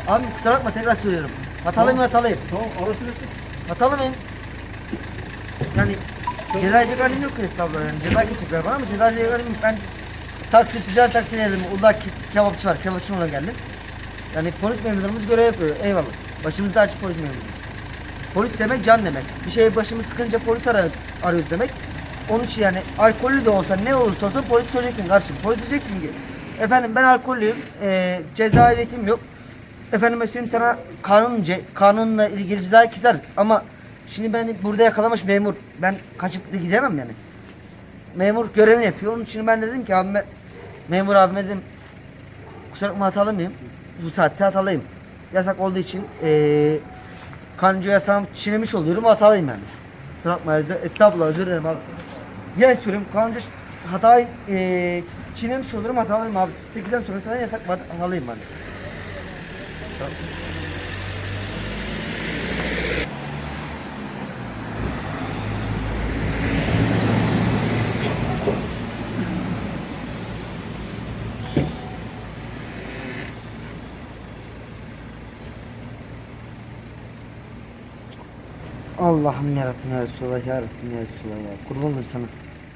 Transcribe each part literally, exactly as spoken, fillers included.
Abi kusura bakma tekrar söylüyorum. Hatalıyım Tamam. hatalıyım. Tamam arası versin. Hatalı mıyım? Yani ceza yiyecek halim yok ki estağfurullah yani ceza geçecekler bana ama ceza yiyecek halim yok. Ben taksi, ticaret taksi geldim. Uludağ ke- kebapçı var. Kebapçı ona geldim. Yani polis memurlarımız görev yapıyor. Eyvallah. Başımızda açık polis memuru. Polis demek can demek. Bir şey başımız sıkınca polis ar arıyoruz demek. Onun için yani alkollü de olsa ne olursa olsun polis söyleyeceksin kardeşim. Polis diyeceksin ki efendim ben alkollüyüm. E, ceza ehliyetim yok. Efendim mesela sana kanun kanunla ilgili cezayı keser ama şimdi beni burada yakalamış memur. Ben kaçıp da gidemem yani. Memur görevini yapıyor. Onun için ben dedim ki abime, memur abime dedim kusura bakma hatalı mıyım? Bu saatte hatalıyım. Yasak olduğu için eee kanuncu yasağım çiğnemiş oluyorum hatalıyım yani. Kusura bakma estağfurullah özür dilerim abi. Yine söylüyorum kanuncu hatayı eee çiğnemiş olurum hatalıyım abi. sekizden sonra sana yasak var hatalıyım ben. Allah'ım yarabbim ya Resulallah ya Rabbim ya Resulallah ya. Kurban olayım sana.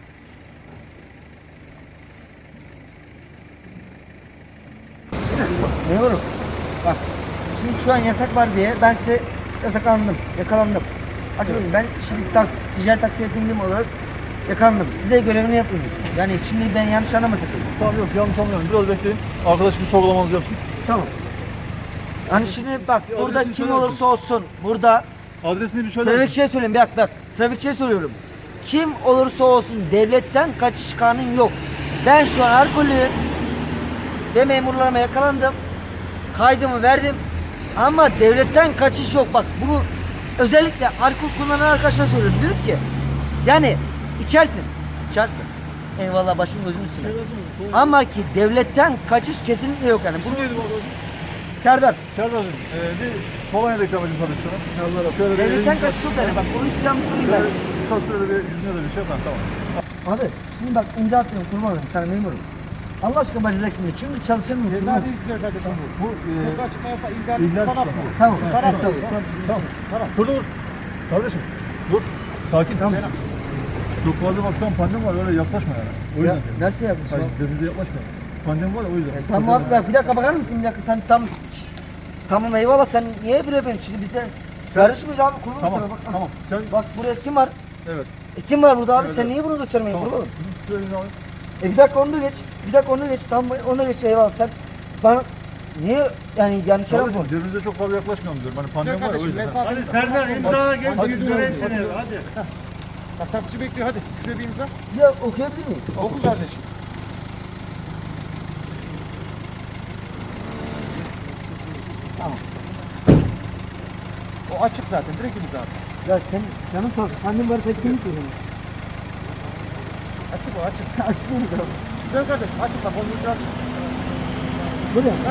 Memurum. Bak. Şimdi şu an yasak var diye ben size yasaklandım. Yakalandım. Açıkçası ben şimdi tak, ticaret taksiye bindiğim olarak yakalandım. Size görevini yapıyorsunuz. Yani şimdi ben yanlış anlamasak. Tamam yok yanlış anlıyorum. Biraz bekleyin. Arkadaş bir sorgulamanızı yapsın. Tamam. Hani şimdi bak Bir burada adresini kim söyler olursa olsun burada Adresini bir söyler trafikçiye söyleyeyim bak bak trafikçiye söylüyorum. Kim olursa olsun devletten kaçış kanun yok. Ben şu an alkollüyüm ve memurlarıma yakalandım. Kaydımı verdim ama devletten kaçış yok. Bak bunu özellikle alkol kullanan arkadaşlara söylüyorum. Diyorum ki yani içersin, içersin. Eyvallah başım gözüm üstüne. Ama ki devletten kaçış kesinlikle yok yani. İsim Bunu neydi bu arkadaşın? Serdar. Serdar'cığım e, bir Polonya'da ikram edin tanıştırın. Allah şöyle bir Devletten yüzüne- kaçış yok yani. Bak bunu üstten söyleyeyim ben. Şöyle, kısa sürede bir yüzüne de bir şey yapın tamam. Abi şimdi bak imza atıyorum kurban olayım sana memurum. Allah aşkına bacıda kimdir? Çünkü çalışamıyorum. Ceza değil güzel kardeşim bu. Bu e, Sokağa çıkma yasağı ihlal ihlal tutanak tutanak. bu. Tamam. Evet, Tamam. tamam, Tamam. tamam, tamam. Dur dur. Kardeşim dur. Sakin. Tamam. Çok fazla baksan pandemi var öyle yaklaşma yani. O Ya, yüzden. nasıl yapmış Hayır, o? birbirine yaklaşma. Pandemi var ya o yüzden. E, tamam abi bak bir dakika bakar mısın bir dakika sen tam tamam eyvallah sen niye bire ben şimdi bize karışmıyoruz abi kurban Tamam, sana bak. tamam. Sen Bak buraya kim var? evet. E, kim var burada abi Evet, sen evet. niye bunu göstermeyin Tamam. kurban? Şöyle bir alayım. E bir dakika onu da geç. Bir dakika onu da geç. Tamam onu da geç eyvallah sen bana niye yani yanlış Kardeşim yapma. birbirinize çok fazla yaklaşmayalım diyorum. Hani pandemi var ya o kardeşim, yüzden. mesafe- Hadi Serdar imzala gel Hadi, bir göreyim hadi. seni hadi. Bak taksici bekliyor hadi. Şuraya bir imza. Ya okuyabilir miyim? Oku kardeşim. Tamam. O açık zaten. Direkt imza at. Ya sen canım sağ olsun. Annem var kaç günlük diyorum. Açık o açık. Açık değil mi? Güzel kardeşim açık bak. Onun ucu açık. Böyle ha.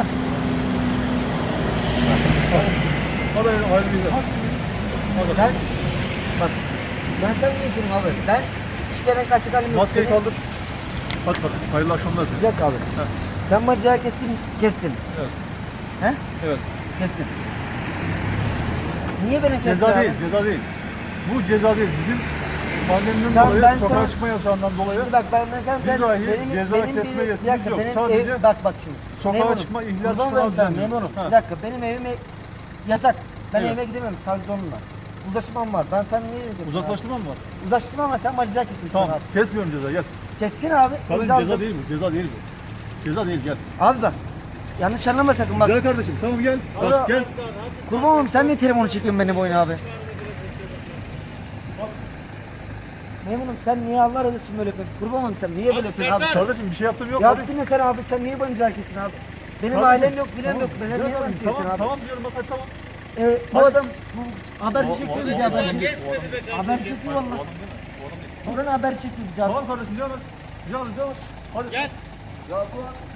Hadi hayırlı günler. Ben bak ben sana ne söyleyeyim abi ben hiçbir yere kaçacak halim yok. Maskeyi Senin- kaldır. Hadi bakalım. Hayırlı akşamlar. Bir dakika abi. Heh. Sen bana ceza kestin, kestin. Evet. He? Evet. Kestin. Niye beni kestin Ceza abi? değil, ceza değil. Bu ceza değil. Bizim pandemiden Tamam, dolayı, ben sokağa sana- çıkma yasağından dolayı Şimdi bak ben mesela ben Biz dahi benim, ceza benim kesme bir, bir yetkimiz dakika yok. benim Sadece ev, bak bak şimdi. sokağa Memurum, çıkma, ihlal kurban tutanağı olayım sana, düzenliyoruz. memurum. Ha. Bir dakika benim evime yasak. Ben Evet. evime gidemiyorum savcı onunla. Uzlaşmam var. Ben sen niye diyorsun? uzaklaştırma mı var? Abi? Uzlaştırma ama sen bana ceza kesin şu an Tamam. abi. Kesmiyorum ceza gel. Kestin abi. Kardeşim imzaladım. ceza değil bu. Ceza değil bu. Ceza değil gel. Abi bak. Yanlış anlama sakın bak. Güzel kardeşim tamam gel. Alo. Bak gel. Kurban olayım sen niye telefonu çekiyorsun benim boyuna abi? Memurum sen niye Allah razı olsun böyle yapıyorsun? Kurban olayım sen niye böyle yapıyorsun abi? Kardeşim bir şey yaptım yok. hadi. Yaptın ne sen abi sen niye bana güzel kesin abi? Benim Kardeşim, ailem yok bilem tamam. yok. Ben Güzel niye bana kardeşim, kesin Tamam abi? tamam diyorum bak hadi tamam. Ee, bu Hadi. adam bu haberci O- çekiyor o- bizi o- haberci. Geçmedi be kardeşim. Haberci çekiyor valla. Buranın haber çekiyor bizi abi. Tamam kardeşim devam et. Devam et devam et. Hadi. Gel. Ya bu